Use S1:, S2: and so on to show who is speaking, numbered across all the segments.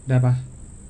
S1: ได้ปะ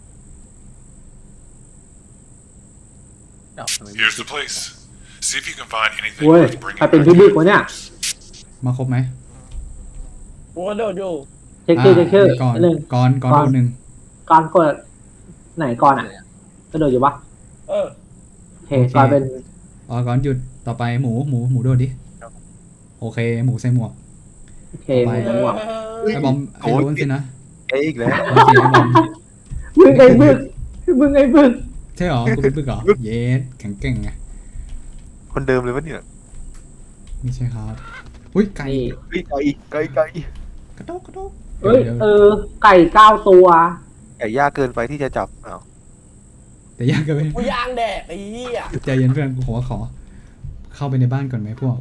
S2: Here's the place. See if you can find anything
S3: เว้ย
S2: worth bringing
S3: ใครเป็น
S2: back
S3: พี่
S2: to
S3: บึก
S2: your
S3: วะเนี่ย
S2: folks.
S1: มาครบไหม
S4: กูกระโดดอยู่
S3: เช็คชื่อเช็คชื่อ
S1: ก่อน
S3: หนึ่ง
S1: ก่อนโดนหนึ่ง
S3: ก่อนกดไหนก่อนอ่ะกระโดดอยู่ปะ
S4: เออ
S3: โอเคก่อนเป็น
S1: ก่อนหยุดต่อไปหมูโดดดิโอเคหมูใส่หมวก
S3: โอเคหมูหมวก
S1: ไอ้บอมไอ้โดนสินะ
S5: อีกแล้ว
S1: โอเคไอ้บอม
S3: มึงไอ้บึกมึงไอ้บึก
S1: ใช่หรอกูเป็นปึกเหรอเยสแข็งเก่งไง
S5: คนเดิมเลยวะเนี่ย
S1: ไม่ใช่ครับอุ้ยไก่
S3: นี่
S5: ไก่
S1: กระโดด
S3: เอ้ย
S1: ดี๋ว
S3: ไก่9 ตัว
S5: ไก่ยากเกินไปที่จะจับอ้าว
S1: แต่ยากเกินไป
S4: กูยางแดดไอ้เหี้ย
S1: ใจเย็นเพื่อนกูขอเข้าไปในบ้านก่อนไหมพวก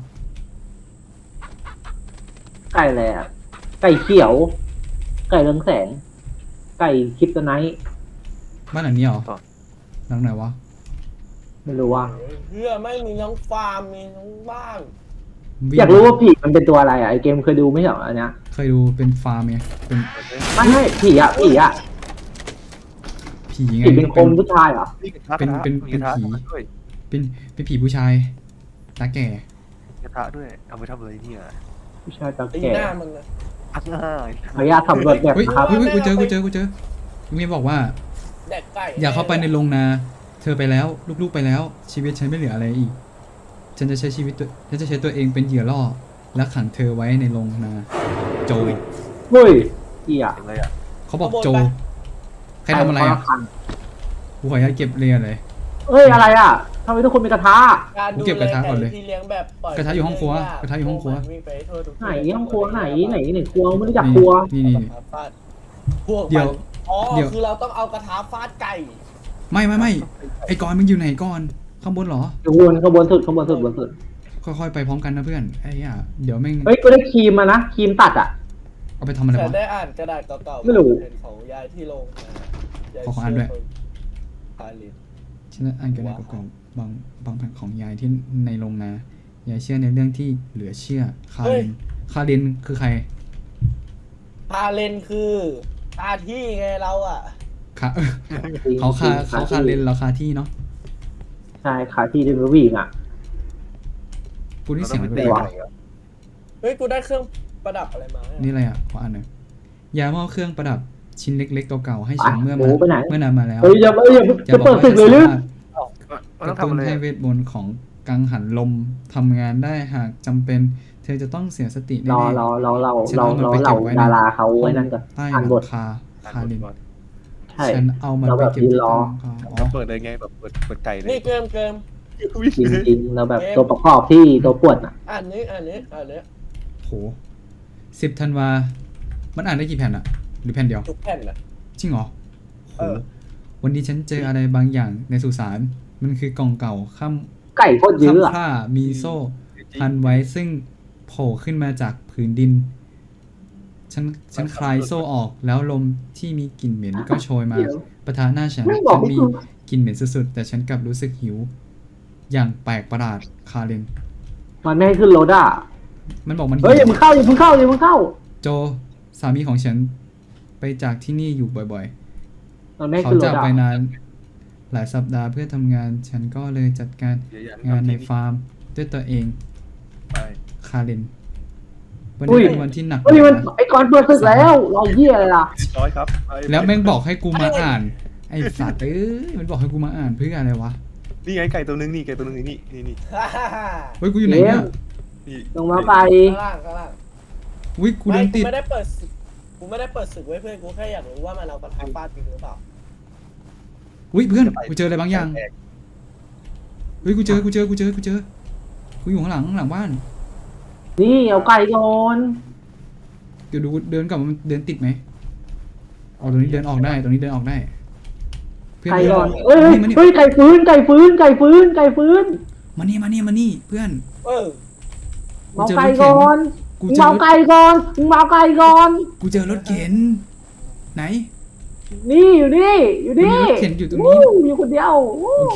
S3: ไก่อะไรอ่ะไก่เขียว ไก่เรืองแสง ไก่คริปโตไนท์
S1: บ้านหลังนี้เหรอหลังไหนวะ
S3: ไม่รู้ว่า
S4: เหี้ยไม่มีทั้งฟาร์มมีทั้งบ้าน
S3: อยากรู้ว่าผีมันเป็นตัวอะไรอ่ะไอเกมเคยดูไม่ใช่เหรออันเนี้ย
S1: เคยดูเป็นฟาร์มไงเป็น
S3: ไม่ผีอ่ะ
S1: ผีไง
S3: ผีเป็นคนผู้ชายเหรอ
S5: นี่กระทะ
S1: เป็น
S5: มีกระทะ
S1: ผี
S5: ด้วย
S1: เป็นผีผู้ชายตาแก่
S5: กระทะด้วยเอาไปทำอะไรเนี่ย
S3: ผู้ชายตา
S4: ตี
S3: แก่
S4: หน้ามึงนะ
S5: ง่าย
S3: ขออนุญาตสำรวจแบบ
S1: เฮ้ย
S3: ครับ
S1: เฮ้ยกูเจอมีบอกว่า
S4: แดกไก่
S1: อย่าเข้าไปในโรงนา เธอไปแล้วลูกๆไปแล้ว ชีวิตฉันไม่เหลืออะไรอีก ฉันจะใช้ตัวเองเป็นเหยื่อล่อและขังเธอไว้ในโรงนา โจ
S3: เฮ้ยเหี้ย
S5: เป็นไรอ่ะ
S1: เขาบอกโจ ใครทำอะไรอ่ะกูขออนุญาตเก็บเรียนเลย
S3: เฮ้ยอะไรอ่ะทำไมทุกคนมีกระทะ
S4: การดู
S1: กูเก็บกระทะก่อนเลย
S4: ไที่เลี้ยงแบบปล่อย
S1: กระทะอยู่ห้องครัวกระทะอยู่ห้องครัว
S4: วิ่งไปทั่วทุก
S3: ไหนห้องครัวไหนครัวไม่รู้จักครัว
S1: นี่
S4: ฟาดพวก
S1: เดี๋ยว
S4: อ๋อ
S1: เดี๋ยว
S4: คือเราต้องเอากระทะฟาดไก่
S1: ไม่ไอ้กอนมึงอยู่ไหนก่อนข้างบนเหรอ
S3: ข้างบนสุดบนสุด
S1: ค่อยๆไปพร้อมกันนะเพื่อนไอ้ย่าเดี๋ยวแม่ง
S3: เฮ้ยกูได้ครีมมานะครีมตัดอ่ะ
S1: เอาไปทำอะไร
S4: ฉัน
S1: วะ
S4: ได้อ่านกระดาษเก่าๆ
S3: ไม่รู้
S4: เห็นของยายที่โรงนะยาย
S1: ขออ่านด้วย
S4: พาลิน
S1: ฉันอ่านกันในกล่องบางแผ่นของยายที่ในโรงนายายเชื่อในเรื่องที่เหลือเชื่อคาเรนคือใคร
S4: พาเลนคือตาที่ไงเราอ่ะ
S1: เขาคาเรนเราคาที่เนาะ
S3: ใช่ขาที่เดนวิ่งอ่ะ
S1: กูนี่
S5: เรา
S1: เสียง
S5: ต้
S1: อะ
S5: อง
S1: ไร
S5: ไป
S1: วะ
S5: ตีไก่อะ
S4: เฮ้ยกูได้เครื่องประดับอะไรมาเนี่ย
S1: นี่อะไรอ่ะขออ่านหน่อยยามอบเครื่องประดับชิ้นเล็กๆเก่าๆให้ฉันเมื่อนานมาแล้ว
S3: เฮ้ยอย่าจะเปิดศึกเลยหรือ
S5: มัน
S1: ก
S5: ต้อ
S1: ระ
S5: ง ทำอะไร
S1: ตุ้นให้
S5: อะ
S1: เวทมนต์ของกังหันลมทำงานได้หากจำเป็น เธอจะต้องเสียสติ
S3: ร
S1: แน่
S3: อ
S1: ๆ
S3: ดาราเขาไว้นั่นก่อน
S1: ใต้ห
S3: อ่านบ
S1: ลั
S3: ท
S1: งคาเรน
S3: ใช่
S1: ฉันเอามัน
S3: เรา
S1: ไป
S3: แบบ
S1: เก็บ
S3: ยืน
S1: ที่
S3: รอ
S1: ตั้งอ๋อ
S5: แล้วเปิดเลยไงแบบเปิดไก่เลย
S4: นี่เกิม
S3: จริงเราแบบตัวประกอบที่ตัวปวดอ่ะ
S4: อ่านนี้
S1: โห10 ธันวา มันอ่านได้กี่แผ่นอะหรือแผ่นเดียว
S4: ทุกแผ่นอ่ะ
S1: จริงเหรอโห
S4: เออ
S1: วันนี้ฉันเจออะไรบางอย่างในสุสานมันคือกล่องเก่า
S3: ไก่โคตรเยอะอ่ะ
S1: ค่ามีโซ่พันไว้ซึ่งโผล่ขึ้นมาจากผืนดิน ฉันคลายโซ่ออกแล้วลมที่มีกลิ่นเหม็นก็โชยมาปะทะหน้าฉัน
S3: ไม่บอก
S1: ฉัน
S3: ให้
S1: มี
S3: กู
S1: กลิ่นเหม็นสุดๆแต่ฉันกลับรู้สึกหิว อย่างแปลกประหลาดคาเรน
S3: มันไม่ให้ขึ้นรถอ่ะ
S1: มันบอกมันหิ
S3: เฮ้ยอย่ามึงเข้า
S1: โจสามีของฉันไปจากที่นี่อยู่บ่อย
S3: มันไม่ให้
S1: ๆ เขา
S3: ขึ้นร
S1: จาก
S3: ถอ่ะ
S1: ไปนานหลายสัปดาห์เพื่อทำงาน ฉันก็เลยจัดการงานในฟาร์มด้วยตัวเอง
S5: ไป
S1: คาเรนวันนี้เป็นวันที่หนัก
S3: เฮ้ยมัน
S1: นะ
S3: ไอ้ก้อนเปิดศึกแล้วเราเหี้ยอะไรล่ะ
S5: ร้อยครับไป
S1: แล้วแม่งบอกให้กูมาอ่าน ไอ้สัตว์มันบอกให้กูมาอ่านเพื่ออะไรวะ
S5: นี่ไงไก่ตัวนึงนี่นี่
S1: เฮ้ยกูอยู่ไหนเนี่ย
S5: นี่
S3: ลงมาไป
S4: ข้างล่าง
S1: อุ้ยกูเดินติด
S4: ไม่ได้เปิดศึกไว้เพื่อนกูแค่อยากรู้ว่ามันเอากระทะฟาดจริงหรือเปล่า
S1: อุ้ยเพื่อนกูเจออะไรบางอย่างเฮ้ยกูเจอกูอยู่ข้างหลังบ้าน
S3: นี่เอาไก่ก่อน
S1: เดี๋ยวดูเดินกลับมันเดินติดไหมตรงนี้เดินออกได้เพื่อน
S3: ไก่ก่อน
S1: เฮ้
S3: เฮ้
S1: ย
S3: ยไก่ฟื้น
S1: มานี่เพื่อน
S4: เออ
S3: เมาไก่ก่อน
S1: กู
S3: มึง
S1: เจอ
S3: เมาร
S1: ถ
S3: ไก่ก่อนมึงเมาไก่ก่อน
S1: กูเจอรถเข็นไหน
S3: นี่อยู่นี่อยู่นี่
S1: มีรถเข็นอยู่ตรงนี้
S3: มีคนเดียววู้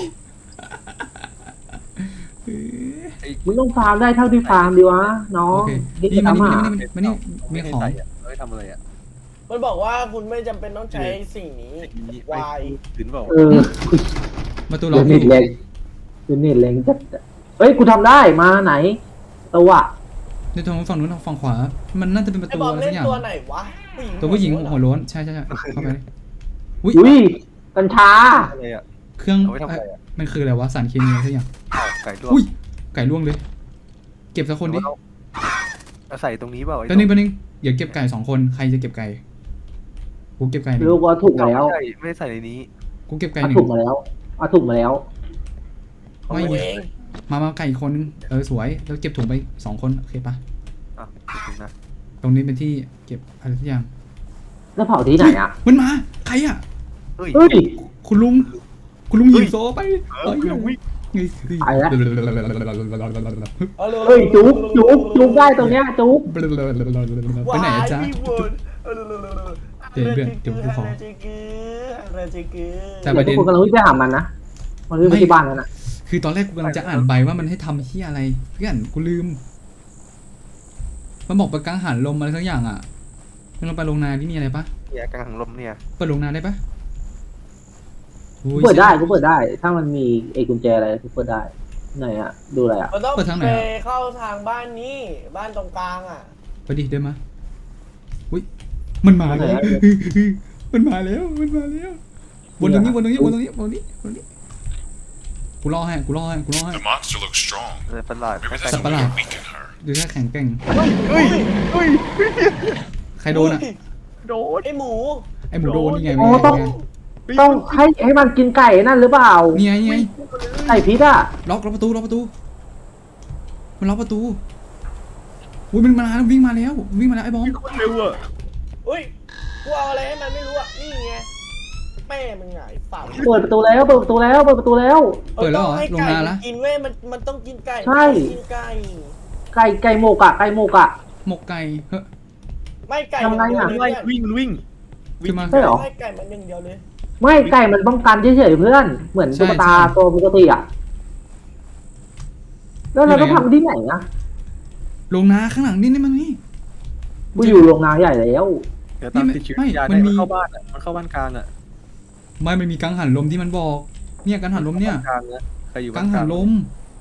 S3: มึงต้องฟาร์มได้เท่าที่ฟาร์มดีวะน้อ
S1: โอง เค
S3: นี่
S1: นี่
S3: จะ
S1: มา
S3: ทำ
S1: นี่
S3: อ่ะ
S1: มีของ
S5: เฮ้ยทำอะไรอ่ะ
S4: มันบอกว่าคุณไม่จำเป็นต้องใช้สิ่งนี้
S5: นี่
S4: วาย
S5: ถึงเปล่า
S3: เออ
S1: ประตูล็
S3: เดี๋
S1: อย ก
S3: วเน็ตแรงเดี๋ยวเน็ตแรงจัดเฮ้ยกูทำได้มาไหนตัว
S1: ในตรงฝั่งนู้นฝั่งขวา มันน่าจะเป็นประ
S4: ไอ้
S1: ตู
S4: บอม
S1: อะไร
S4: เล่
S1: สั
S4: น
S1: กอย่าง
S4: ตัวไหนวะ
S1: ตัวผู้หญิงหัวโล้นใช่เข้าไปเลยอุ้ย
S3: อุ้ยกัญชา
S5: อะไรอ่ะ
S1: เครื่อง
S5: เอาไว้ทำอะไรอะ
S1: มันคืออะไรวะสารเคมีอะไรสักอย่าง
S5: อ้าวไก่ลวก
S1: อุ้ยไก่ล่วงเลย เก็บสักคนดิ
S5: เอาใส่ตรงนี้เปล่าไอ้
S1: แป๊บนึงเดี๋ยวเก็บไก่2 คนใครจะเก็บไก่กูเก็บไก่หนึ่ง
S3: ลูกว่าถูกมาแล้ว
S5: ไม่ได้ใส่ในนี้
S1: กูเก็บไก่
S3: เอา
S1: หนึ่
S3: ถู
S1: ง
S3: กมาแล้วเอาถูกมาแล้ว
S4: ของ
S1: ไม่
S4: กูเอง
S1: มาไก่อีกคนนึงสวยแล้วเก็บถุงไป2 คนโอเคปะ
S5: อ่ะถึงนะ
S1: ตรงนี้เป็นที่เก็บอะไรสักอย่าง
S3: แล้วเผาที่ไหนอ่ะ
S1: มันมาใครอ่ะ
S5: เฮ้ย
S3: เฮ้ย
S1: คุณลุงหิวโซไป
S5: วิ่ง
S3: ไปแล้ว
S4: เอาร็วๆ
S3: เฮ้ยจุ๊บได้ตรงเนี้ยจุ๊บ
S1: ไปไหนอะจ๊ะ
S4: วายพี่บุญ
S1: เดี๋ยวกูขอ
S4: อะไรจิกือ
S1: แต่
S3: เดี๋ยวทุกคนกำลังวิ่งไปหามันนะมันวิ่งไปที่บ้านแล้วนะ
S1: คือตอนแรกกูกำลังจะอ่านใบว่ามันให้ทำที่อะไรเพื่อนกูลืมมันบอกประกังหันลมอะไรสักอย่างอ่ะเราไปโรงนาที่มีอะไรปะ
S5: เนี่ยกลางลมเนี่ย
S1: เปิดโรงนาได้ปะอุ้ย
S3: เปิดได้กูเปิดได้ ถ้ามันมีไอ้กุญแจอะไรกูเปิดได้ไหนอ่ะดูอะไรอ่ะ
S4: มันต้องไปเข้าทางบ้านนี้บ้านตรงกลางอ่ะ
S1: ไปดิเดินมาอุ้ยมันมาแล้วมันมาแล้ววนตรงนี้กูรอให้
S2: The monster looks strong.
S5: อะไรประหลาด
S2: Maybe
S1: สั
S2: that's
S1: ตว์ประห
S2: a
S1: ลา
S2: way
S1: ด
S2: to weaken her.
S1: ดูท่าแข็งแกร่ง
S5: เฮ้ยเฮ้ย
S1: ใครโดนอ่ะ
S5: โดน
S4: ไอหมู
S1: ไอหมูโดนนี่ไง
S3: โอ้ต้องให้มันกินไก่นั่นหรือเปล่า
S1: นี่ไง
S3: ไก่พิษอ่ะ
S1: ล็อกประตูมันล็อกประตูอุ้ยมันมาแล้ววิ่งมาแล้วไอ้บอม
S5: คนเร็วอ่ะ
S4: อุ้ยกูเอาอะไรให้มันไม่รู้อ่ะนี่ไงแม่มึงไงฝัง
S3: เปิดประตูแล้ว
S1: เปิดแล้วเหรอ
S4: ให้
S1: ลง
S4: ไก่
S1: นาละ
S4: กินเว้ยมันต้องกินไก่
S3: ใช่
S4: กินไก่
S3: ไก่หมกอ่ะ
S1: หมกไก่เฮ้ย
S4: ไม่ไก่
S3: ทำไงอะ
S4: อย่าง
S5: ไล่
S4: เดียวเลย
S5: วิ่ง
S1: ขึ้นมา
S3: ใช่เหรอ
S4: ให้ไก่มันอย่างเดียวเลย
S3: ไม่ไก่มันป้องกันเฉยๆเพื่อน เหมือนตุ๊กตา
S1: ใช่
S3: ตัวปกติอ่ะ แล้วเราต้องทำที่ไหนนะ
S1: ลงนาข้างหลังนี่มันนี่
S3: กูอยู่โรงนาใหญ่แล้ว
S5: เดี๋ยวตามติดชีวิตยา
S1: มั
S5: ได้
S1: นมี
S5: มันเข้าบ้านอ่ะมันเข้าบ้านกลางอ่ะ
S1: มันมีกังหันลมที่มันบอกเนี่ยกังหันลมเนี่ย
S5: กลางนะใครอยู่
S1: กั
S5: บ้าง นก
S1: หั
S5: ลาน ง
S1: ลม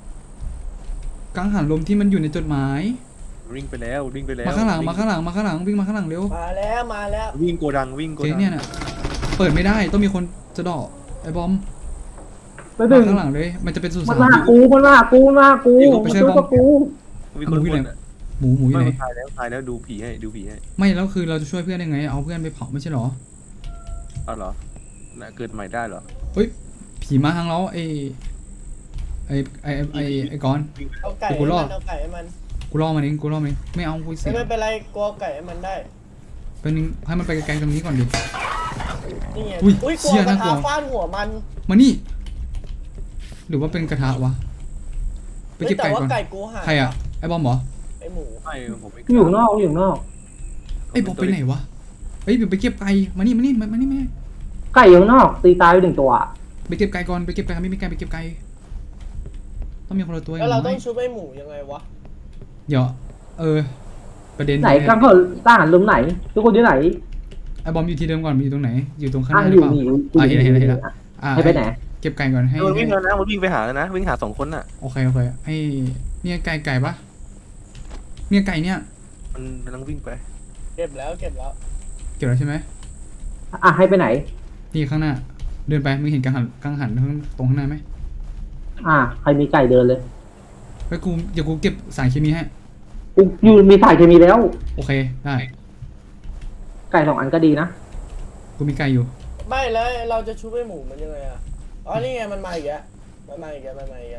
S1: ที่มันอยู่ในจดหมาย
S5: วิ่งไปแล้ว
S1: มาข้างหลังวิ่งมาข้างหลังเร็ว
S4: มาแล้ว
S5: วิ่งโกดัง
S1: เจ๊เนี่ยน่ะเปิดไม่ได้ต้องมีคนจะดอกไอ้บอม
S3: ไปดึง
S1: ข้างหลังเลยมันจะเป็นสุสา
S3: มันมาหากูมันมาหากูมาช่วยกับกู
S5: มีคนบ่นอ่ะ
S1: หมูอยู่ไหน
S5: ตายแล้วดูผีให้
S1: ไม่แล้วคือเราจะช่วยเพื่อนยังไงเอาเพื่อนไปเผาไม่ใช่หรอ
S5: เอาเหรอน่ะเกิดใหม่ได้เหรอ
S1: เฮ้ยผีมาทางเราไอ้ก้อน
S4: ๆเอาไก่ให้
S1: กูรอ
S4: มั
S1: ด
S4: นเอาไก่ให้มัน
S1: กูล่อมันเองไม่เอากูเสีย
S4: ไม่เป็นไรกลัวไก่ให้มันได้
S1: เป็นนึงให้มันไปไกลๆตรงนี้ก่อนดิ
S4: นี่ไง
S1: อุ้ย
S4: อุ้ยกลั
S1: เชี่
S4: วย กระ
S1: น่ากลั
S4: ทะ
S1: ว
S4: ฟาดหัวมัน
S1: มานี่ หรือว่าเป็นกระทะวะไปเก็บ
S4: แต่
S1: ไก่
S4: ว่า
S1: ก่อน
S4: ไก่กูหาย
S1: ใครอะไอ้บอมเหรอ
S4: ไอหมู
S5: ไม่ผมไม่
S3: อยู่นอก
S1: ไอ้บอมไปไหนวะเฮ้ยเดี๋ยวไปเก็บไก่มานี่แม่
S3: ไก่อยู่นอก ตีตายไปหนึ่งตัว
S1: ไปเก็บไก่ก่อนไปเก็บไก่ไม่มีไก่ไปเก็บไก่ต้องมีคนละตัว
S4: แล้วเรา
S1: ย่าง
S4: ต้
S1: น้
S4: อ
S1: อง ย
S4: ชุบไอหมูยังไงวะ
S1: เดี๋ยวประเด็น
S3: ไหนกังเขาต้านลมไหน ทุกคนอยู่ไหน
S1: ไอ้บอมอยู่ที่เดิมก่อนมันอยู่ตรงไหน อยู่ตรงข้างห
S3: อ่ะ
S1: น้าห
S3: อ
S1: รือยู่ เปล่า
S3: นี่
S1: อ่ะเห็นแล้ว
S3: ให้ไปไหน
S1: เก็บไก่ก่อนให้
S5: มันวิ่งแล้วนะมันวิ่งไปหาแล้วนะวิ่งหา2 คนน่ะ
S1: โอเคให้เนี่ยไก่ปะเนี่ยไก่เนี่ย
S5: มันกำลังวิ่งไป
S4: เก็บแล้ว
S1: เก็บแล้วใช่ไหม
S3: อ่ะให้ไปไหน
S1: นี่ข้างหน้า เดินไปมึงเห็นกังหันตรงข้างหน้าไหม
S3: ใครมีไก่เดินเลย
S1: เฮ้ยเดี๋ยวกูเก็บสารเคมีให้
S3: กูอยู่มีสายเคมีแล้ว
S1: โอเคได้
S3: ไก่2 อันก็ดีนะ
S1: กูมีไก่อยู่
S4: ไม่แล้วเราจะชุบไอหมูมันยังไงอ่ะอ๋อนี่ไงมันมาอีกแล้วมันมาอีก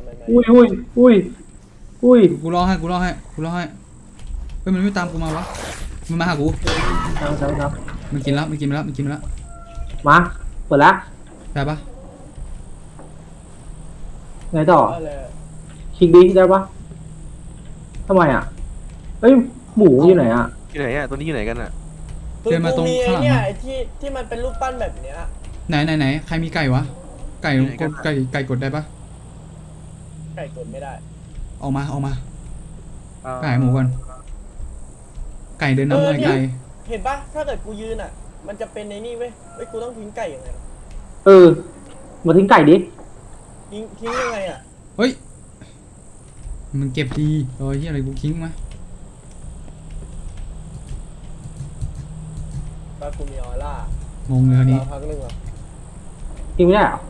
S3: อุ้ย
S1: กูรอให้เฮ้ยมันไม่ตามกูมาวะมันมาหากู
S3: ครับ
S1: มันกินแล้ว
S3: มาเปิดละ
S1: ได้ปะ
S3: ไงต่อ
S4: อะไร
S3: คิงดิ้งได้ปะทำไมอ่ะเฮ้ยหมูอยู่ไหนอ่ะ
S5: ที่ไหนอ่ะตัวนี้อยู่ไหนกันอ่ะ
S4: คือกูมีไอเนี่ยไอที่มันเป็นรูปปั้นแบบเนี้ย
S1: ไหนใครมีไก่วะไก่กดได้ปะ
S4: ไก่กดไม่ได้
S1: ออกมาไก่หมูก่อนไก่เดินนำหน่อยไก่
S4: เห็นปะถ้าเกิดกูยืนอ่ะมันจะเป็นในนี่เว้ยเฮ้ยกูต้องทิ้งไก่ยังไงวะ
S3: เออมาทิ้งไก่ดิ
S4: ทิ้งยังไงอ่ะ
S1: เฮ้ยมันเก็บดีเฮียอะไรกูทิ้งมา
S4: ปลากูมีออร่าง
S1: งเลยคราวนี้
S4: รอพักหนึ่งเหรอ
S3: ทิ้งไม่ได้เหรอ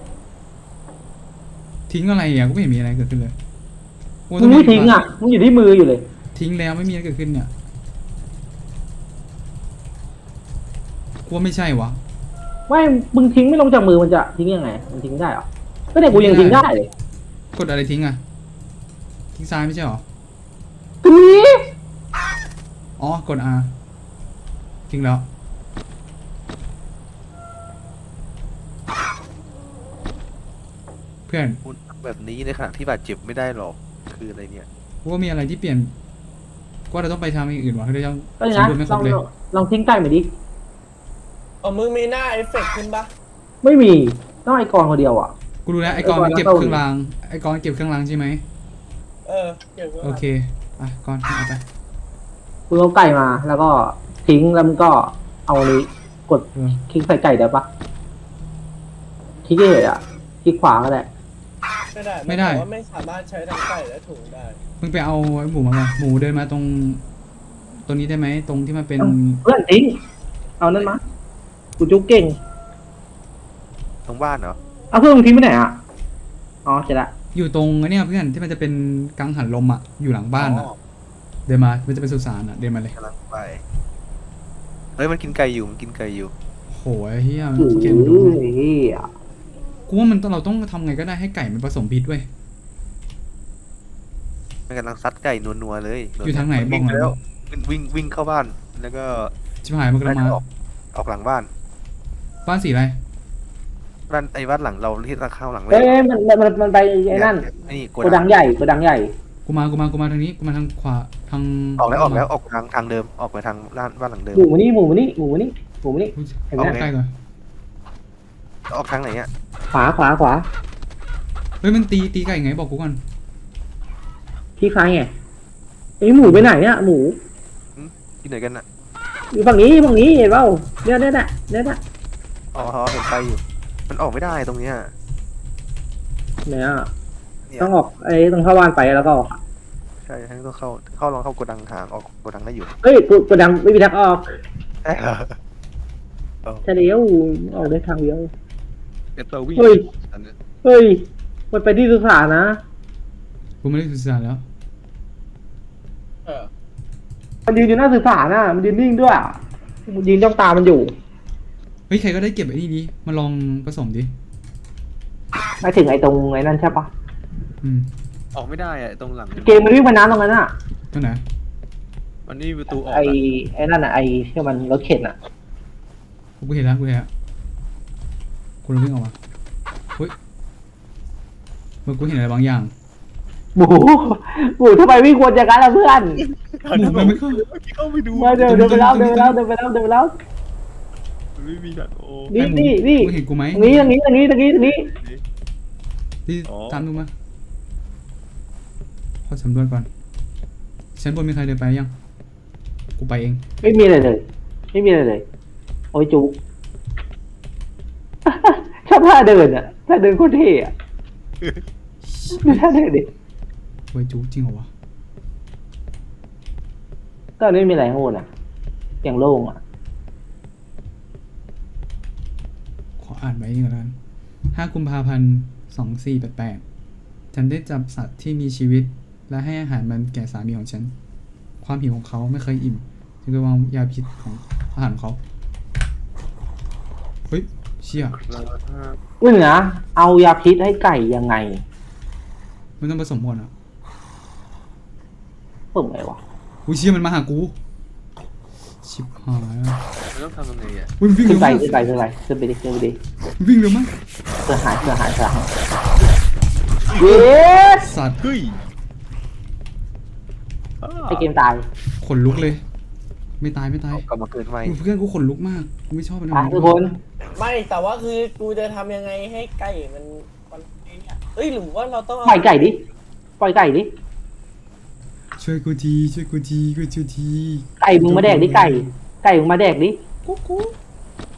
S1: ทิ้งอะไรอ่ะกูไม่เห็นมีอะไรเกิดขึ้นเลยกู
S3: มึงไม่ทิ้งอ่ะมึงอยู่ที่มืออยู่เลย
S1: ทิ้งแล้วไม่มีอะไรเกิดขึ้นเนี่ยกูว่าไม่ใช่วะ
S3: ไม่มึงทิ้งไม่ลงจากมือมันจะทิ้งยังไงมันทิ้งได้เหรอก็เนี่ยกูยังทิ้งได้เลย
S1: กดอะไรทิ้งอ่ะทิ้งซ้ายไม่ใช่หรอ
S3: ตรงนี้
S1: อ๋อกด R ทิ้งแล้วเพื่อน
S5: คุณทำแบบนี้ในขณะที่บาดเจ็บไม่ได้หรอกคืออะไรเนี่ย
S1: กูว่ามีอะไรที่เปลี่ยนกูว่าเราต้องไปทำอย่างอื่นวะเราต้อง
S3: ก็อย่างนั้น
S1: สำรวจไม่ค
S3: ล
S1: ร
S3: อบ ง
S1: เลย
S3: ลองทิ้งไก่มาดิ
S4: มึงมีหน้าเอฟเฟกต์ขึ้นปะ
S3: ไม่มีต้องไอ้กรคนเดียวอ่ะ
S1: กูรู้แล้วไอ้กอนมันเก็บ
S3: ไอ้กอน
S1: เครื่องรางไอ้กอนเก็บเครื่องรางใช่ไหม
S4: เกี่ยวกับ
S1: โอเคอ่ะกอนเอาไป
S3: มึงเอาไก่มาแล้วก็ทิ้งแล้วมึงก็เอาอันนี้กด
S1: เออ
S3: คลิกใส่ไก่ได้ปะคลิกเฉยๆอ่ะคลิกขวาก็ได้
S4: ไม่ได้นบอกว่าไม่สามารถใช้ทั้งไก่และถุงได้
S1: มึงไปเอาไอ้หมูมาก่อนหมูเดินมาตรงนี้ได้ไหมตรงที่มันเป็น
S3: เพื่อนทิ้งเอานั่นมากูจุกเก่ง
S5: ตรงบ้านเหรอ
S3: เอาเพื่อนมึงทิ้งไปไหนอ่ะอ๋อเสร็จละ
S1: อยู่ตรงไอ้เนี่ยเพื่อนที่มันจะเป็นกังหันลมอ่ะอยู่หลังบ้านอ่ะเดินมามันจะเป็นสุสานอ่ะเดินมาเลย
S5: กำลังไปเฮ้ยมันกินไก่อยู่มันกินไก่อยู่
S1: โหไอ้เฮีย
S3: โอ้
S1: เกมดู
S3: ย
S1: กูว่าเราต้องทำไงก็ได้ให้ไก่มันผสมพิษเว้ย
S5: มันกำลังซัดไก่นัวๆเลย
S1: อยู่ทางไหน
S5: มั
S1: บอกหน่อย
S5: แล้ววิ่งเข้าบ้านแล้วก็
S1: ชิบหายมันกำลังมา
S5: ออกหลังบ้าน
S1: บ้านสีอะไร
S5: บ้านหลังเราที่เราเข้าหลังเล
S3: เอ้
S5: ย
S3: ยมันไปไอ้นั่น
S5: นี่
S3: โกดังใหญ่โกดังใหญ่
S1: กูมาทางนี้กูมาทางขวาทาง
S5: ออกทางเดิมออกไปทางบ้านหลังเดิม
S3: หมูมานี่หมูมานี่หมูมานี่หมูมานี่ เห็นไหม
S1: ใกล้ก่อน
S5: ออกทางไหนอ่ะ
S3: ขวา
S1: เฮ้ยมันตีไก่ไงบอกกูก่อน
S3: ที่ใครไงไอ้หมูไปไหนเนี่ยหมู
S5: ที่ไหนกันอ่ะ
S3: อยู่ฝั่งนี้เห็นเปล่าเนี่ย
S5: อ๋อเห็นไปอยู่มันออกไม่ได้ตรงเนี้ย
S3: เนี่ย
S5: เนี่ย
S3: ต้องออกไอ้ต้องเข้าบ้านไปแล้วก็ออก
S5: ใช่ให้ต้องลองเข้าโกดังหางออกโกดังได้อยู่
S3: เฮ้ยโกดังไม่มีทางออก
S5: ใช่เหรอ
S3: ใช่เดียวออกได้ทางเดียว
S5: เอ็ดตัววิ่ง
S3: เฮ้ยมันไปที่สุสานนะ
S1: กูไม่ได้สื่อสารแล้ว
S3: มันยืนอยู่หน้าสุสานน่ะมันยืนนิ่งด้วยอะมันยืนจ้องตามันอยู่
S1: เฮ้ยใครก็ได้เก็บไอ้นี่ดิมาลองผสมดิ
S3: ไม่ถึงไอ้ตรงไอ้นั่นใช่ปะ
S5: ออกไม่ได้อะตรงหลัง
S3: เกมมันวิ่งมาน้ำตรงนั้นอ่ะ
S1: ตรงไหน
S5: มันนี่ประตูออก
S3: ไอ้นั่นอ่ะไอ้ที่มันรถเข็นอ่ะ
S1: กูเห็นแล้วกูเลยวิ่งออกมาเฮ้ยเมื่อกูเห็นอะไรบางอย่าง
S3: หมูทำไมวิ่งวนอย่างนั้นล่ะเพื่อน
S1: หมูมันไม่เข้า
S5: เข้าไปดู
S3: มาเดินไปแล้ว
S5: ไม่มีดักโอ
S3: นี่
S1: มึงเห็นกูไหม
S3: ตรงนี้
S1: ที่ตามดูมาขอสำรวจก่อนชั้นบนมีใครเดินไปยังกูไปเอง
S3: ไม่มีอะไรเลยโอ้ยจุกชอบท่าเดินอ่ะท่าเดินโคตรเท่อะดูท่าเดินดิ
S1: เว้ยจูจริงเหรอวะ
S3: ก็ไม่มีอะไรข้างบนอ่ะอย่างโล่งอ่ะ
S1: ขออ่านไว้นี่ก่อนแล้วกัน5 กุมภาพันธ์ 2488 ฉันได้จับสัตว์ที่มีชีวิต และให้อาหารมันแก่สามีของฉัน ความหิวของเขาไม่เคยอิ่มจึงได้วางยาพิษของอาหารของเขาเฮ้ยเชี่ย
S3: นึงนะเอายาพิษให้ไก่ยังไง
S1: มันต้องผสมก่อนอ่ะ
S3: เปิดไงวะ
S1: อุ้ยเชี่ยมันมาหากูชิบหาย
S5: มันต้องทำยังไงอ่ะ
S1: อุ้ยมันวิ่ง
S3: ขึ้
S1: เร็
S3: น
S1: ว
S3: ไป
S1: มาก
S3: ขึ้นไปดิ
S1: วิ่งเร็วมาก
S3: เสือหายเย้
S1: สัตว์
S5: เฮ้ย
S3: ไอเกมตาย
S1: ขนลุกเลย ไม่ตาย
S5: กลับมาเกิดใหม่
S1: เพื่อนกูขนลุกมากกูไม่ชอบมัน
S3: ตายทุกคน
S4: ไม่แต่ว่าคือกูจะทำยังไงให้ไก่มันไอ้เนี่ยหรือว่าเราต้อง
S3: ปล่อยไก่ดิ
S1: ช่วยกูที
S3: ไก่มึงมาแดกดิไก่มึงมาแดกดิ
S1: กู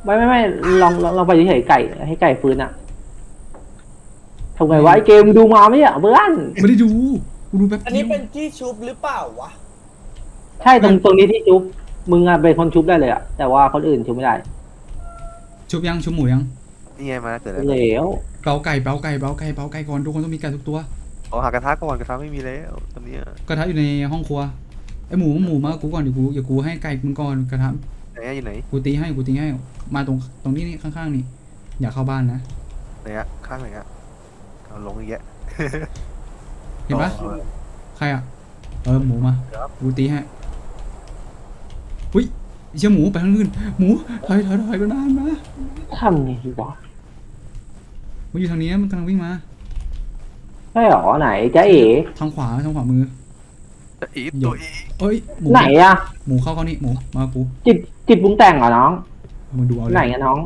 S3: ไม่ลองไปเฉยๆไก่ให้ไก่ฟื้นอ่ะทำไงวะไอเกมดูมาไหมอ่ะเพื่อน
S1: ไม่ได้ดูกูดูแป๊บ
S4: อันนี้เป็นที่ชุบหรือเปล่าวะ
S3: ใช่ตรงนี้ที่ชุบมึงอะเป็นคนชุบได้เลยอ่ะแต่ว่าคนอื่นชุบไม่ได้
S1: ชุบยังชุบหมูยัง
S5: นี่ไงมาแล้วเกิดแล้ว
S3: เหลว
S1: เปาไก่ก่อนทุกคนต้องมีไก่ทุกตัว
S5: เอาหากระทะก่อนกระทะไม่มีแล้วตอนเนี้ย
S1: กระทะอยู่ในห้องครัวไอหมูมากูก่อนเดี๋ยวกูให้ไก่มึงก่อนกระทะ
S5: ไหนอะอยู่ไหน
S1: กูตีให้มาตรงนี้นี่ข้างๆนี่อย่าเข้าบ้านนะ
S5: ไหนอะข้างไหนอะเอาลงอีกแยะ
S1: เห็นปะ
S5: อา
S1: ใครอ่ะหมูมา
S5: ครับ
S1: กูตีให้อุ้ยเชี่ยหมูไปทางอื่นหมูถอยก็นานมา
S3: ทำไงดีวะ
S1: มันอยู่ทางนี้มันกำลังวิ่งมา
S3: ใช่หรอไหนจ๊ะเอ๋
S1: ทางขวามือ
S5: อีตัวอี
S1: เอ้ยหมู
S3: ไหนอะ
S1: หมูเข้านี่หมูมากู
S3: จิตปรุงแต่งเหรอน้อง
S1: มึงดูเอาเล
S3: ไหน
S1: ย
S3: อะน้อง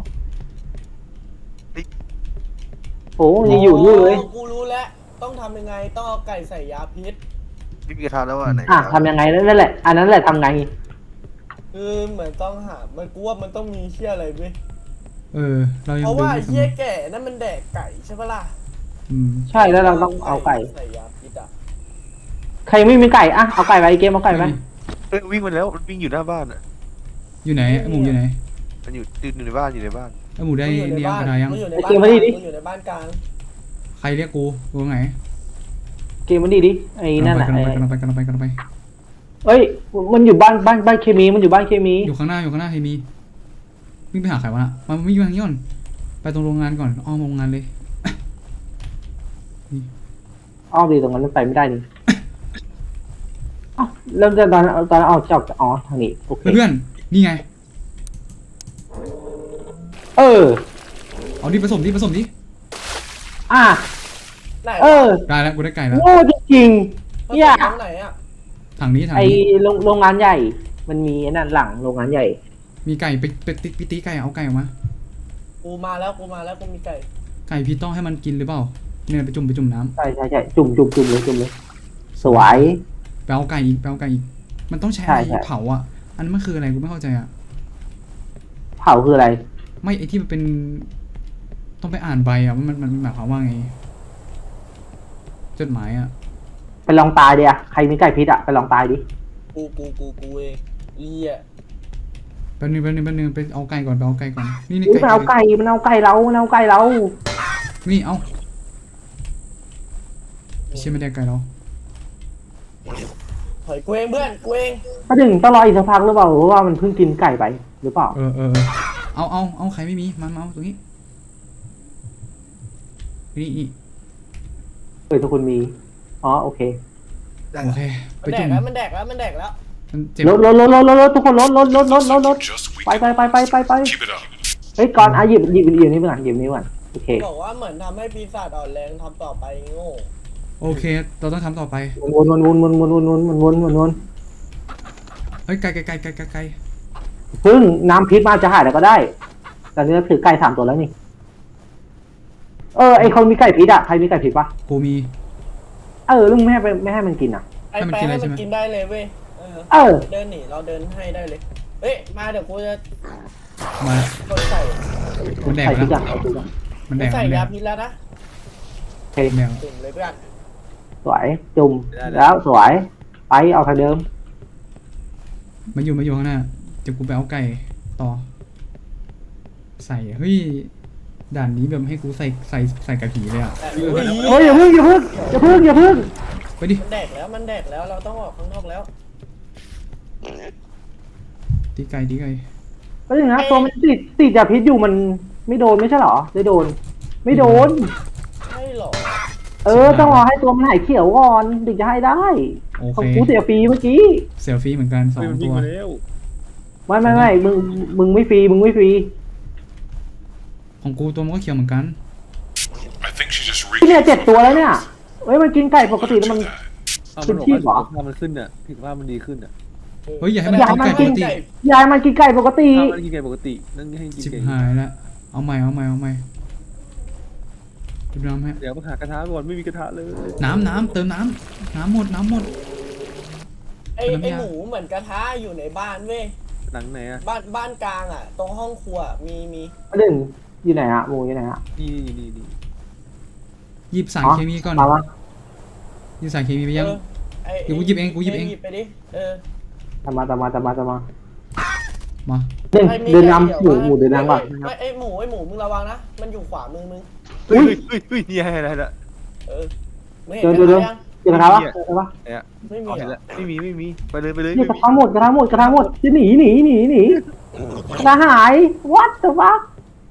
S3: โอ้ยังอยู่นี่เลย
S4: กูรู้แล้วต้องทำยังไงต้องเอาไก่ใส่ยาพิษ
S5: ไม่มีกระทะแล้วอะไหน
S3: อ่ะทำยังไงนั่นแหละอันนั้นแหละทำไง
S4: คือเหมือนต้องหามันกูว่ามันต้องมีเชี่ยอะไรเว้ย
S1: เรายัง
S4: เพราะ
S1: ดู
S4: ว่า
S1: ไม่
S4: เชี่ยแก่นั่นมันแดกไก่ใช่ปะล่ะ
S3: ใช่แล้วเราต้องเอาไก่
S4: ใส่ยาพิษอ่ะ
S3: ใครไม่มีไก่อ่ะเอาไก่ไปเกมเอาไก่ไป
S5: เอ้ยวิ่งมาแล้วมันวิ่งอยู่หน้าบ้านอะ
S1: อยู่ไหนไอหมูอยู่ไหน
S5: มันอยู่ในบ้านอยู่ในบ้าน
S1: ไอหมูได้
S4: มันอยู่ใน
S1: เนี่ย
S4: บ้าน
S1: กระดายัง
S4: มันอยู่ในบ้านกลางมันอยู่ในบ้านกลาง
S1: ใครเรียกกูไหน
S3: เกมมันดีดิไอ้นั่นน่ะ
S1: กำลังไป
S3: เอ้ยมันอยู่บ้านเคมีมันอยู่บ้านเคมี
S1: อยู่ข้างหน้าเฮมีวิ่งไปหาใครวะน่ะมันวิ่งไปทางนี้ก่อนไปตรงโรงงานก่อนอ้อมโรงงานเลย
S3: อ้อมดีตรงนั้นมันไปไม่ได้นี่อ้าวเริ่มจากตอนออกจากอ๋อทางนี้โอเค
S1: เพื่อนนี่ไง
S3: เออ
S1: เอาดิผสมดิ
S3: อ่ะ
S4: ไหน
S3: เออ
S1: ได้แล้วกูได้ไก่แล้ว
S3: โง่จริง
S4: ผ
S3: ๆเนี่ย
S4: สมตรงไหนอ่ะ
S1: ทางนี้
S3: ไอโรงงานใหญ่ มันมีไอ้นั่นหลังโรงงานใหญ่
S1: มีไก่ไปตีไก่เอาไก่ออกมา
S4: กูมาแล้วกูมีไก่
S1: ไก่พี่ต้องให้มันกินหรือเปล่าเนี่ยไปจุ่มน้ำ
S3: ใช่จุ่มเลยสวย
S1: ไปเอาไก่อีกมันต้องใช้อะไร
S3: ใช่
S1: เผาอ่ะอันนั้นมันคืออะไรกูไม่เข้าใจอ่ะ
S3: เผาคืออะไร
S1: ไม่ไอที่มันเป็นต้องไปอ่านใบอ่ะว่ามันหมายความว่าไงจดหมายอ่ะ
S3: ไปลองตายดิอะใครมีไก่พิษอะไปลองตายดิ
S4: กูเองเหี้ย
S1: แป๊บนึงไปเอาไก่ก่อนนี่
S3: อุ๊ยมันเอาไก่เรา
S1: นี่เอาไม่ใช่ไม่ได้ไก่เรา
S4: ถอยกูเองเพื่อนกูเอง
S3: ก็ถึงต้องรออีกสักพักหรือเปล่าเพราะว่ามันเพิ่งกินไก่ไปหรือเปล่า
S1: เอาใครไม่มีมาเอาตรงนี้นี่
S3: ทุกคนมีอ๋อโอเค
S1: โอเคไป
S4: มันแด
S1: จุ่
S4: ก
S1: ม
S4: แล้วมันแดกแล้วมันแดกแล้ว
S1: มันเจ็บ
S3: รถทุกคนรถ
S2: Just
S3: ไป
S2: weaken. Keep it up.
S3: เฮ้ยก่อนหยิบนี่ไปก่อนโอเค
S4: บอกว่าเหมือนทำให้ปีศาจอ่อนแรงทำต่อไปโง่
S1: โอเคเราต้องทำต่อไป
S3: วน
S1: เฮ้ยไก่
S3: พึ่งน้ำพิษมาจะหายแล้วก็ได้ตอนนี้เราถือไก่3ตัวแล้วนี่ไอคนมีไก่พิษอะใครมีไก่พิษปะ
S1: กูมี
S3: ลุงไม่ให้มันกินอะ
S4: ไอ้
S1: ให้มัน
S4: แปะ
S1: กิน
S4: ให้
S1: ได้ใช่
S4: มัน
S1: ไหม
S4: กินได้เลยเว้ย เดินหนีเราเดินให้ได้เลยเฮ้ยมาเดี๋ยวกูจะ
S1: มา
S4: กดใส่
S1: มันแดก
S3: ไก่พิษ
S1: แล้ว
S3: อะ
S1: มันแดก
S4: ใส่
S1: มันแด
S4: ยาก พิษแล้วนะ
S3: โอเค
S1: แดก
S4: จุ่มเลยเพื่อน
S3: สวยจุ่มแล้วสวยไปเอาทางเดิม
S1: มันอยู่ข้างหน้าเดี๋ยวกูไปเอาไก่ต่อ ใส่เฮ้ยด่านนี้แบบให้กูใส่กับผีเลยอ่ะ
S4: เฮ้ย
S3: อย่าพึ่ง
S1: ไปดิ
S4: มันแดกแล้วเราต้องออกข้างนอกแล้ว
S1: ตีไก่
S3: ก็อย่างนะตัวมันติดยาพิษอยู่มันไม่โดนไม่ใช่หรอได้โดน ไม่โดน
S4: ใช่หรอ
S3: ต้องรอให้ตัวมันหายเขียวก่อนถึงจะให้ได้
S1: โอ
S3: ของ
S1: เค
S3: กูเสียฟรีเมื่อกี้
S1: เสียฟรีเหมือนกันสอง
S5: มัน
S1: ตั
S5: วิ่ง
S1: ว
S5: มาแล้ว
S3: ไม่มึงไม่ฟรี
S1: ของกูตัวมันก็เขียวเหมือนกัน
S2: I think she just
S3: ที่เนี่ย
S2: reached
S3: 7 ตัวแล้วเนี่ยมันกินไก่ปกติแล้วมัน
S2: that.
S5: เอามันบอกว่าสุขภาพมันขึ้นอ่ะสุขภาพมันดีขึ้นอ่ะ
S1: เฮ้ยอย่าให้มัน
S3: อย่าให้มัน
S1: กินไก่ปกติ
S3: ยายมันกินไก่ปกติ
S5: ถ้ามันกินไก่ปกตินั่นให้กิน
S1: ชิบ
S5: ไก่
S1: หายแล้วเอาใหม่ดูน้ำให้
S5: เดี๋ยวมาหากระทะก่อนไม่มีกระทะเลย
S1: น้ำเติมน้ำหมด
S4: ไอ้หมูเหมือนกระทะอยู่ในบ้านเว้ย
S5: หนังไหนอะ
S4: บ้านกลางอ่ะ ตรงห้องครัวมี
S3: ประเด็นอยู่ไหนอะหมูอยู่ไหนอะ
S5: นี่
S1: หยิบสารเคมีก่อน
S3: มาละ
S1: หยิบสารเคมีไปยัง
S4: ไอ้
S1: เดี๋ยวกูหยิบเองกูหยิบเอง
S4: หยิบไปดิ
S3: ตามมา
S1: มา
S3: เดิน
S4: ใครมี
S3: เดิน
S4: ไก่
S3: นำหมูเดินนำก่อน
S4: ไม่ไอ้หมูมึงระวังนะมันอยู่ขวามึง
S5: เฮ้ยนี่อะไรละ
S4: ไม่เห็น
S3: เดิน
S4: กระ
S3: เดิน
S4: ทะยัง
S3: เจอกระทะวะเจอกระทะวะ
S4: ไม่มี
S5: อ๋อเห็น
S4: เหรอ
S5: ละไม่มีไปเลย
S3: เนี่ยกระทะหมดกระทะหมดจะหนีกระหาย what the fuck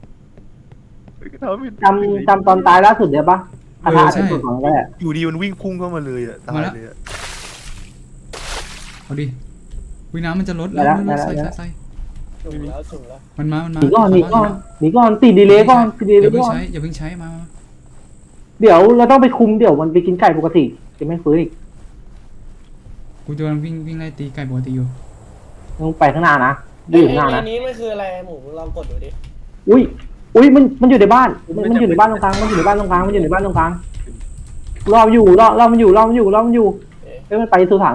S3: จำตอนตายล่าสุดเดี๋ยวปะกระทะเป็นส่วนของแรก
S5: อยู่ดีมันวิ่งพุ่งเข้ามาเลยอ่ะตายเลย
S1: เอาดิวิน้ำมันจะลดแล้วใส่
S4: จุ่มแล้ว
S1: มันมา
S3: หนีก่อนติดดีเลยก่อนติดดี
S1: อ
S3: เลย
S1: ย่าเพิ่ง
S3: ก่อน
S1: ใช้อย่าเพิ่งใช้มา
S3: เดี๋ยวเราต้องไปคุมเดี๋ยวมันไปกินไก่ปกติจะไม่ฟื้นอีก
S1: กูจะกำลังวิ่งไล่ตีไก่ปกติอยู่
S3: ต้องไปข้างหน้านะ
S4: ไอ้
S3: อยู่ข้างหน้านะ
S4: นี้มันคืออะไรหมูมึงลองกดดูดิ
S3: อุ้ยมันอยู่ในบ้านมันอยู่ในบ้านตรงกลางมันอยู่ในบ้านตรงกลางรออยู่เฮ้ยมันไปสุสาน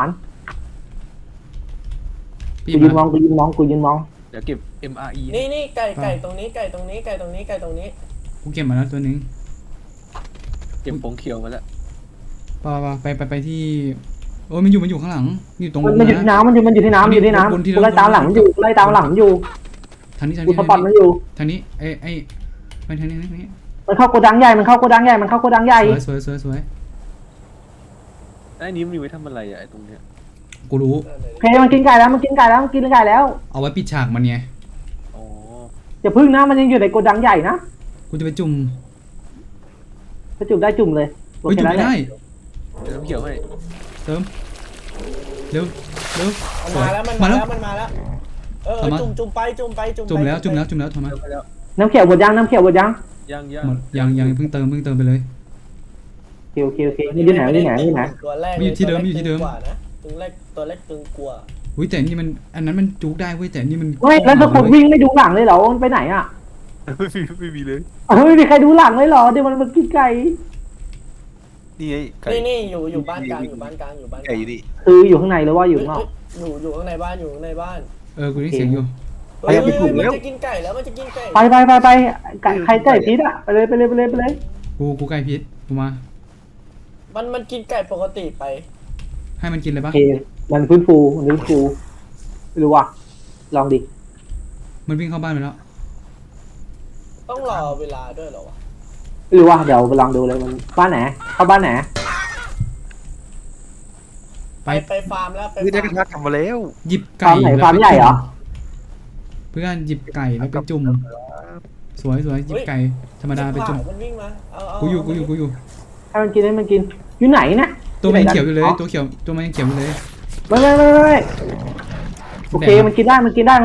S1: ปี
S3: กูยืนม
S1: มา
S3: อง
S5: เดี๋ยวเก็บ MRE
S4: นี่ไก่ตรงนี้
S1: กูเก็บมาแล้วตัวนึง
S5: เก็บผงเขียวมาแล้ว
S1: ไปที่โอ้ยมันอยู่ข้างหลังอยู่ตรง
S3: มันอยู่ที่น้ำมันอยู่ที่น้ำกูไล่ตามหลังมันอยู่
S1: ทางนี้
S3: กูสปอตมันอยู่
S1: ทางนี้ไอ้ไปทางนี้
S3: มันเข้าโกดังใหญ่
S1: สวย
S5: ไอ้นี้มันอยู่ไว้ทำอะไรอ่ะไอ้ตรงเนี้ย
S1: กูรู้
S3: โอเคมันกินไก่แล้ว
S1: เอาไว้ปิดฉากมันไง
S5: อ๋อ
S3: อย่าพึ่งนะมันยังอยู่ในโกดังใหญ่นะ
S1: กูจะไปจุ่ม
S3: ถ้าจุ่มได้จุ่มเลย
S1: เฮ้ยจุ่มไม่ได้
S5: เดี๋ยวน้ำเขียวให้
S1: เติมเร็ว
S4: มันมาแล้วจุ่มไป
S1: จุ่มแล้วถอยมา
S5: ไปแล้ว
S3: น้ำเขียวหมดยัง
S1: หมดยังเพิ่งเติมไปเลย
S3: โอเคนี่อยู่ไหน
S4: ตัวแรก
S1: อยู่ที่เดิม
S4: ตัวแรกตึงกว่า
S1: อุ้ยแต่นี่มันอันนั้นมันจุกได้เว้ยแต่นี่มัน
S3: เฮ้ยแล้วทุกคนวิ่งไม่ดูหลังเลยเหรอมันไปไหนอ่ะ
S5: ไม่มีเลย
S3: ไม่มีใครดูหลังเลยเหรอเดี๋ยวมันกินไก่
S5: นี่ไงไก่
S4: นี่อยู่บ้านกลาง
S5: ไก่อยู่นี่
S3: คืออยู่ข้างในหรือว่าอยู่ข้างนอก
S4: อยู่ข้างในบ้าน
S1: กูได้เสียงอยู่
S4: มันจะกินไก่แล้วมันจะกินไก่
S3: ไปใครไก่พิษอ่ะไปเลย
S1: กูไก่พิษกูมา
S4: มันกินไก่ปกติไป
S1: ให้มันกินเลย
S3: โอ
S1: ปะ
S3: เคมันฟื้นฟูไม่รู้ว่ะลองดิ
S1: มันวิ่งเข้าบ้านไปแล้ว
S4: ต้องรอเวลาด้วยเหรอวะ
S3: ไม่รู้ว่ะเดี๋ยวไปลองดูเลยมันบ้านไหนเข้าบ้านไหน
S4: ไปฟาร์มแล้วไป
S5: คือได้กระทะกลับมาแล้ว
S1: หยิบ
S3: ฟา
S1: ไก่
S3: ร์มไหนฟาร์มใหญ่เหรอ
S1: เพื่อนหยิบไก่แล้วไปจุ่มสวยหยิบไก่ธรรมดาไปจุ่ม
S4: มันวิ่งมาเอา
S1: กูอยู่
S3: ให้มันกินอยู่ไหนนะ
S1: ตัวมันยังเขียวอยู่เลยตัวมันยังเขียวอยู่เลย
S3: ไม่โอเคมันกินได้ไป
S1: มันกิน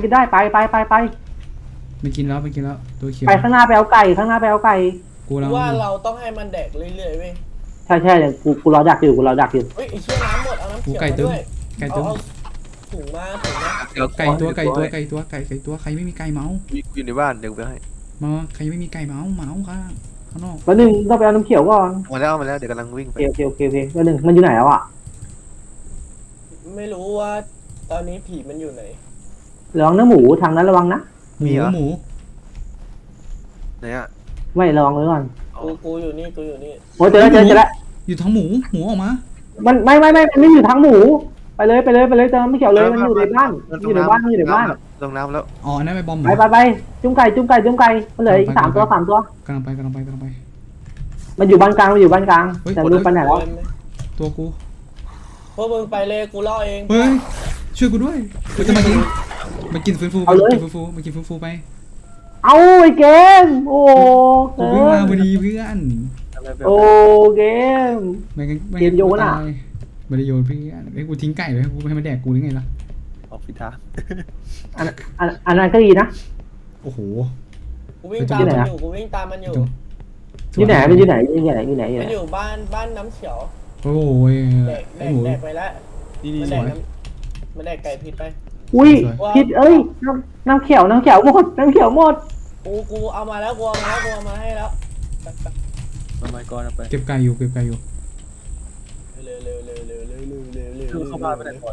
S1: แล้วตัวเขียว
S3: ไปข้างหน้าไปเอาไก่
S1: กูแล้ว
S4: ว่าเราต้องให้มันแดกเรื่อยๆเว้ย
S3: ใช่กูรอดักอยู่
S4: เฮ้ยไอ้เชี่ยน้ำหมดเอาน้ำ
S1: กู
S4: เขียว
S1: ไก่
S4: มา
S1: เติม
S4: ด้วย
S1: ไก่เติม
S4: เอาถุงมา
S1: ไก่ตัวใครไม่มีไก่เมาส์
S5: อยู่ในบ้านเดี๋ยวไปให้
S1: มาใครไม่มีไก่เมาส์ข้างนอก
S3: แล้วหนึ่งต้องไปเอาน้ำเขียวก่อน
S5: มาแล้วเดี๋ยวกำลังวิ่งไป
S3: โอเคแล้วหนึ่งมันอยู่ไหนแล้วอ่ะ
S4: ไม่รู้ว่าตอนนี้ผีมันอยู่ไหน
S3: ระวังนะหมูทางนั้นระวังนะ
S1: หมู
S5: ไหนอ่ะ
S3: ไม่ระวังไว้ก่อน
S4: กูอยู่นี่
S3: โอ้เจอแล้ว
S1: อยู่ท้องหมูออกมา
S3: มันไม่อยู่ทางหมูไปเลยเจอไม่เกี่ยวเลยมันอยู่ในบ้านอยู่ในบ้าน
S5: ลงน้ำแล้ว
S1: อ๋อนั่นไปบอม
S3: ไปจุ้มไก่มันเหลืออีก3 ตัว
S1: กำลังไป
S3: มันอยู่บ้านกลางแต่รู้ไปไหนแล้ว
S1: ตัวกู
S4: พวกมึงไปเลยกูล่อเอง
S1: เฮ้ยช่วยกูด้วยกูจะมากินมันกินฟื้นฟูไป
S3: เอาไอ้เกมโอ้
S1: กูวิ่งมาพอดีเพื่อน
S3: โอ้เกม
S1: ไม่ได้โยนเพื่อนไอ้กูทิ้งไก่เลยกูให้มันแดกกูหรือไงล่ะ
S5: ออกพิธา
S3: อันนั้นก็ดีนะ
S1: โอ้โห
S4: กูวิ่งตามมันอยู่
S3: อยู่ไหนมันอยู่ไหน
S4: มันอยู่บ้านน้ำเขียว
S1: โอ้ยไอ้หมู
S4: แดกไปแล้ว
S5: นี่
S4: มันแดกไก่ผิดไป
S3: อุ้ยคิดน้ำเขียวหมด
S4: กูเอามาแล้วกูเอามาให้แล้ว
S5: มาไม้ก้อนเอาไป
S1: เก็บไก่อยู่
S4: เร็ว
S5: เข้าบ้านไปไหนก่อน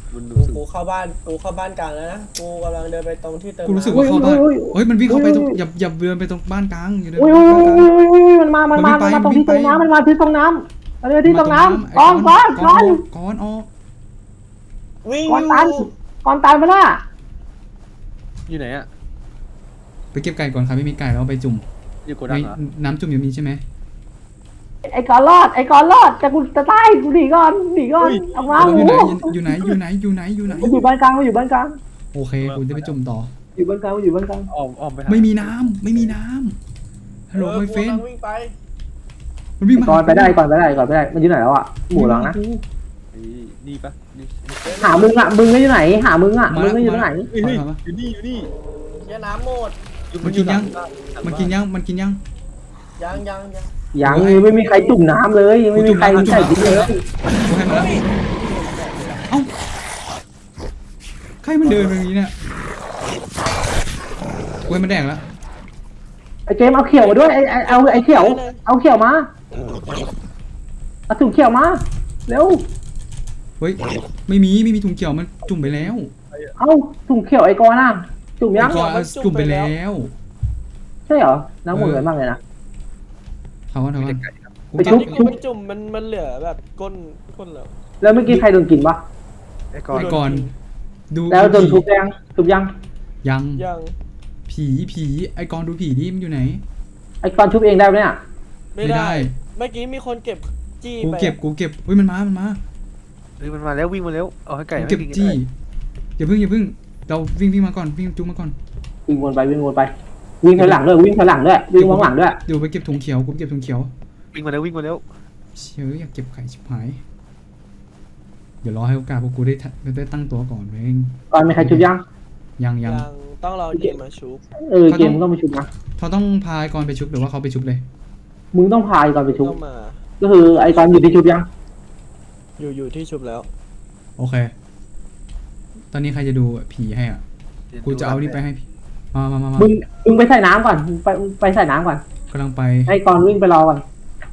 S5: มัน
S4: กูเข้าบ้านกลางแล้วนะกูกำลังเดินไปตรงที่เติม
S1: กูรู้สึก
S4: น้ำ
S1: ว่าเข้าบ้าน
S3: อุ้ย
S1: เฮ้ยมันวิ่งเข้าไปตรง
S3: อุ้ย
S1: อย่าเดินไปตรงบ้านกลางอย่าเดิน
S3: อุ้ย
S1: ไป
S3: อุ้ย
S1: บ้านกลาง
S3: อุ้ยมันมา
S1: มันวิ่งไป
S3: ตรงที่
S1: มันวิ่งไป
S3: ตรงน้ำมันมาที่ตรงน้ำมันเลยที่ตรงน้ำ
S1: ไอ้
S3: ก้อน
S1: ก้อนออก
S4: วิ่ง
S3: ก้อน
S4: อ
S3: ตัน
S4: ยู่
S3: ก้อนตันไปละ
S5: อยู่ไหนอะ
S1: ไปเก็บไก่ก่อนครับไม่มีไก่แล้วเอาไปจุ่ม
S5: อยู่โก
S1: ใน
S5: ดังเหรอ
S1: น้ำจุ่มอยู่นี้ใช่ไหม
S3: ไอ้ก้อนรอดแต่กูจะตายกูหนีก่อนออกมา
S1: เรา
S3: หมู
S1: อยู่ไหนอยู่ไหนอยู่ไหนอยู่ไหน
S3: มันอยู่บ้านกลางมันอยู่บ้านกลาง
S1: โอเคกูจะไปจุ่มต่อ
S3: อยู่บ้านกลางมันอยู่บ้านกลาง
S5: อ้อมไปหา
S1: ไม่มีน้ำฮัลโหลไมเฟน
S4: กำลังวิ่งไป
S1: มันวิ่งมา
S3: ก่อนไปได้มันอยู่ไหนแล้วอ่ะหมูหลังนะ
S5: นี่ปะนี่
S3: หามึงก็อยู่ไหนหามึงก็อยู่ไหน
S5: อยู่นี่อยู่นี่
S4: เชี่ยน้ำหมด
S1: มันกินยังมันกินยัง
S4: ยัง
S3: ยังไม่มีใครจุ่มน้ำเลยไม่มีใครใส่ดินเลย
S1: กูให้มาแล้วเอ้าใครมันเดินแบบนี้เนี่ยกูให้มันแดงแล้ว
S3: ไอ้เจมเอาเขียวมาด้วยเอาไอ้เขียวเอาเขียวมาเอาถุงเขียวมาเร็ว
S1: เฮ้ยไม่มีถุงเกี่ยวมันจุ่มไปแล้ว
S3: เอาถุงเขียวไอ้กอน่ะจุ่มยัง
S1: ไอ้กอนเอาจุ่มไปแล้ว
S3: ใช่เหรอน้ำหมดเลยมากเลยนะ
S1: เขาว่ากู
S3: ไป
S1: เก็
S3: ชุ
S1: บบ
S4: กูไม่จุ่มมันเหลือแบบก้นแล้ว
S3: แล้วเมื่อกี้ใครโดนกินปะ
S5: ไอ้
S1: ไอ้ก่อนดู
S3: แล้วโดนทุบยัง
S1: ยัง
S4: ยัง
S1: ผีไอ้กอนดูผีดิมันอยู่ไหน
S3: ไอ้กอนชุบเองได้ไหมเนี่ย
S4: ไม่ได้เมื่อกี้มีคนเก็บจี้
S1: กู
S4: ไป
S1: เก็บเฮ้ยมันมา
S5: เฮ้ยมันมาแล้ววิ่งมาแล้วเอาให้ไก่
S1: กูเก็บจี้อย่าเพิ่งเราวิ่งมาก่อนวิ่งจุ่มมาก่อน
S3: วิ่งวนไปวิ่งถอยหลังด้วยวิ่งข้างหลังด้วย
S1: เดี๋ยวไปเก็บถุงเขียวกูเก็บถุงเขียว
S5: วิ่งมาแล้ว
S1: เชื่ออยากเก็บไข่ชิบหายเดี๋ยวรอให้โอกาสพวกกูได้ตั้งตัวก่อนเอง
S3: ก่อนมีใครชุบยัง
S1: ยัง
S4: ต้องรอเกมมาชุบ
S3: เกมต้องไปชุบนะ
S1: เขาต้องพาไอ้กอนไปชุบหรือว่าเขาไปชุบเลย
S3: มึงต้องพายก่อนไปชุบ
S4: ต้องมา
S3: ก็คือไอ้กอนอยู่ที่ชุบยัง
S4: อยู่ที่ชุบแล้ว
S1: โอเค ตอนนี้ใครจะดูผีให้อ่ะกูจะเอานี่ไปให้ผีมา
S3: มึงไปใส่น้ำก่อนไปใส่น้ำก่อน
S1: กำลังไป
S3: ให้กอนวิ่งไปรอก่อน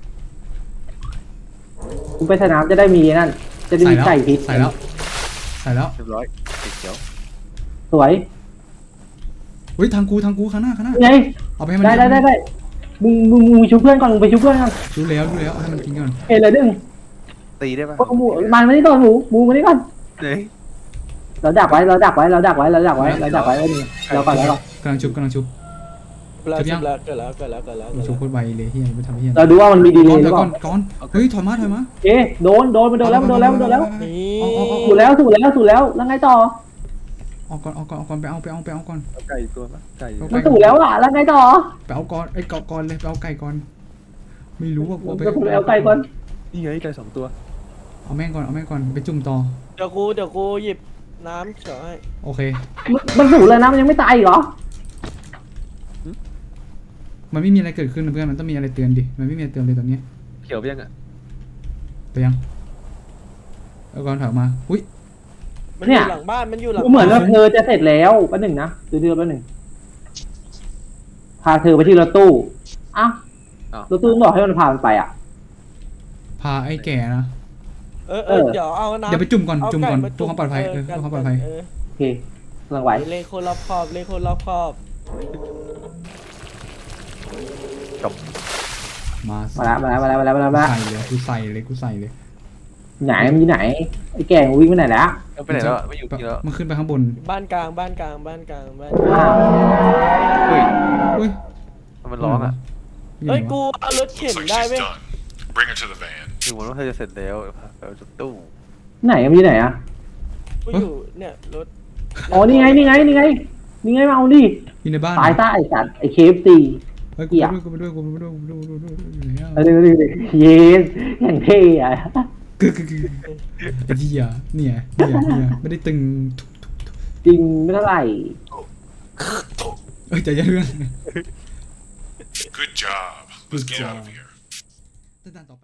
S3: มึงไปใส่น้ำจะได้มีนั่นจะได้มีไก่พิษ
S1: ใส่แล้ว
S5: เรียบร้อยติดเขียว
S3: สวย
S1: เฮ้ยทางกูข้างหน้า
S3: ไง
S1: เอาไปให้มัน
S3: ได้มึงไปชุบเพื่อนก่อนมึงไปชุบเพื่อนก่อน
S1: ดูแล้วให้มันกินก่อน
S3: เลยดึง
S5: ตีได้ปะ
S3: หมูมันมานี่ก่อนหมูมานี่ก่อน
S5: ไหน
S3: เราดักไว้ไว้ก่อนแล้วก่อน
S1: กำลังชุบ
S4: แล้วชุบแล้วเกิดแล้ว
S1: ชุบโคตรไวเลยเฮียไปทำเฮีย
S3: เราดูว่ามันมีดีเล
S1: ก่อน
S3: ย์หรือเปล่า
S1: ก่อนเฮ้ยถอยมา
S3: เอ๊ะโดนมันโดนแล้ว
S4: นี่
S3: สูดแล้วแล้วไงต่อ
S1: ออกก่อนไปเอาก่อน
S5: เอาไก่ตัวปะไก่
S3: มันสูดแล้วอ่ะแล้วไงต่อ
S1: ไปเอาก่อนไอ้ก่อนเลยไปเอาไก่ก่อนไม่รู้ว่ากู
S3: ไปเอาไก่ก่อน
S5: นี่ไงไก่2 ตัว
S1: เอาแม่งก่อนไปจุ่มต่อ
S4: เดี๋ยวกูหยิบน้ำเฉยให้
S1: โอเค
S3: มันสูดเลยนะมันยังไม่ตายอีกเหรอ
S1: มันไม่มีอะไรเกิดขึ้นนะเพื่อนมันต้องมีอะไรเตือนดิมันไม่มีอะไรเตือนเลยตอนนี้
S5: เขียวไปยังอ่ะ
S1: ไปยังเอาก่อนถอยมาอุ้ย
S4: มันอยู่หลังบ้านมันอยู่หลัง
S3: เหมือนว่าเธอจะเสร็จแล้วแป๊บหนึ่งนะดูแป๊บหนึ่งพาเธอไปที่รถตู้อ้าวรถตู้บอกให้มันพามันไปอ่ะ
S1: พาไอ้แก่นะ
S4: เดี๋ยวเอาน้ำ
S1: เดี๋ยวไปจุ่มก่อนเพื่อความปลอดภัยเพื่อความปลอดภัย
S3: โอเคกำลังไหว
S4: เลโคนรอบคอบ
S1: มา
S3: มาแล้ว
S1: ใส่เลยกูใส่เลย
S3: ไหนมันอยู่ไหนไอ้แก่งวิ่งไปไหนแล้ว
S5: เอาไปไหนแล้วไม่อยู่ที่แล้ว
S1: มันขึ้นไปข้างบน
S4: บ้านกลาง
S5: เฮ้ย
S1: อุ้ย
S5: มันร้องอ่ะ
S4: เฮ้ยกูเอารถเข็น
S2: Looks like
S4: ได้
S2: she's
S4: เว้ย
S2: done. Bring her to the van.
S5: ดูเหมือนว่าเธอจะเสร็จแล้วไปเอาจากตู้
S3: ไหนมันอยู่ไหนอ่ะ
S4: กูอยู่เนี่ยรถ
S3: อ๋อนี่ไงมาเอาดิ
S1: อยู่ในบ้าน
S3: ตายซะไอ้สัตว์ไอ้เคฟซี
S1: เฮ้ยกูไปด้วยอยู่แล้ว
S3: เยสอย่างเท่อะ
S1: ไอ้เหี้ยเนี่ยไม่ได้ตึง
S3: จริงไม่เท่าไหร่
S1: ใจเย็นเพื่อน
S2: Good job. Let's get out of here.